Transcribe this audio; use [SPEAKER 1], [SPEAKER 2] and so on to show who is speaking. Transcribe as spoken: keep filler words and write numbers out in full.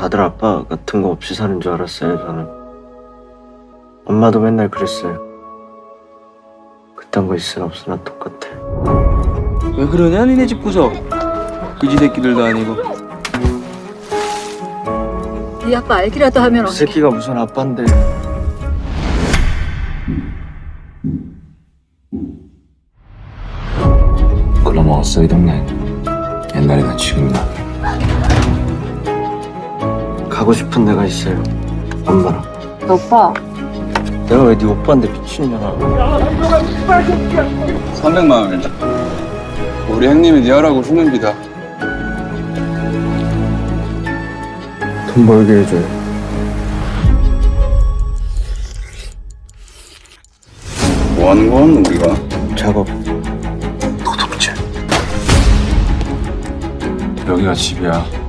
[SPEAKER 1] 다들 아빠 같은 거 없이 사는 줄 알았어요, 저는. 엄마도 맨날 그랬어요. 그딴 거 있으나 없으나 똑같아.
[SPEAKER 2] 왜 그러냐 니네 집 구석. 그지 새끼들도 아니고.
[SPEAKER 3] 네 아빠 알기라도 하면
[SPEAKER 1] 그
[SPEAKER 3] 어떡해.
[SPEAKER 1] 새끼가 무슨 아빠인데.
[SPEAKER 4] 글러먹었어 이 동네. 옛날이나 지금이나.
[SPEAKER 1] 가고 싶은 데가 있어요. 엄마랑.
[SPEAKER 3] 너 오빠
[SPEAKER 1] 내가 왜 네 오빠인데 미친년아.
[SPEAKER 2] 삼백만 원이다. 우리 형님이 네 하라고 주는 비다.
[SPEAKER 1] 돈 벌게 해줘요.
[SPEAKER 2] 뭐 하는 건 우리가?
[SPEAKER 1] 작업.
[SPEAKER 4] 도둑질.
[SPEAKER 2] 여기가 집이야.